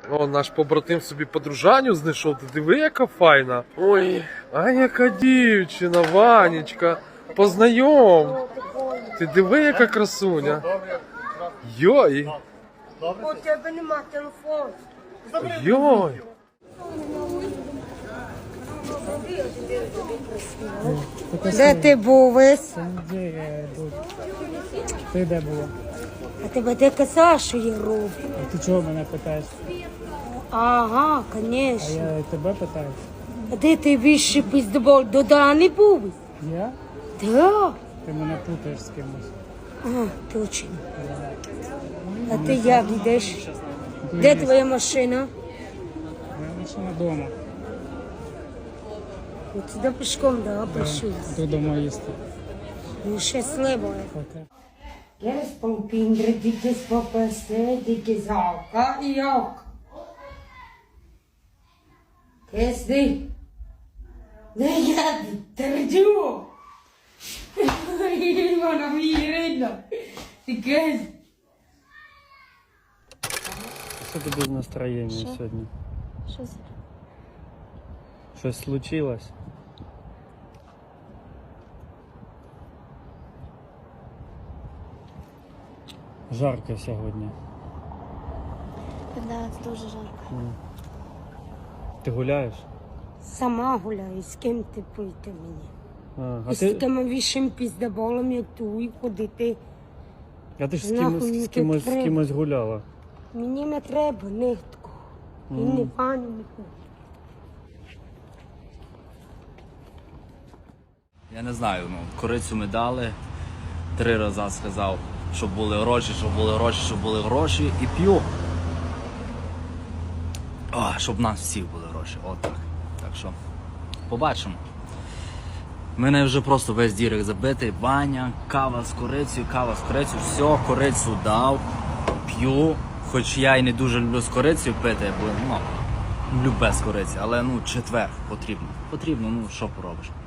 О, наш побратим собі подружаню знайшов. Ти диви, яка файна. Ой, а яка дівчина, Ванечка. Познайом. Ти диви, яка красуня. Йой. У тебе нема телефону. Йой. Де ти був весь? Ти де була? А тебе де казав, що я роблю? А ти чого мене питаєш? Ага, А звісно. я тебе питаю. А де ти більше піздобол? До Дани був? Я? Да. Ти мене путаєш з кимось. А, точно. А ти як йдеш? Де твоя машина? Моя машина вдома. От сюди пішком, да, пошли. Ти вдома їсти. Ну, щасливо. Пока. Queres pão pindre, diques papasé, diques alca e alca. Queres de? Negado, terjoo. Mano, mirena. Diques. Що тобі з настроєння сьогодні? Що це? Щось случилось? Жарко сьогодні. Да, це дуже жарко. Ти гуляєш? Сама гуляю, з ким ти пойти мені? А І з таким вішим піздоболом, як ту, і ходити. ти ж Нахуй мені з кимось треба. гуляла. Мені не треба нитку. І не пані нікого. Я не знаю, корицю ми дали. 3 рази сказав, щоб були гроші, щоб були гроші, щоб були гроші. І п'ю. О, щоб в нас всіх були гроші. Отак. Так що, побачимо. У мене вже просто весь дірек забитий. Баня, кава з корицею, все, корицю дав, п'ю. Хоч я і не дуже люблю з корицею пити, бо люблю без кориці, але четвер потрібно. Потрібно, що поробиш.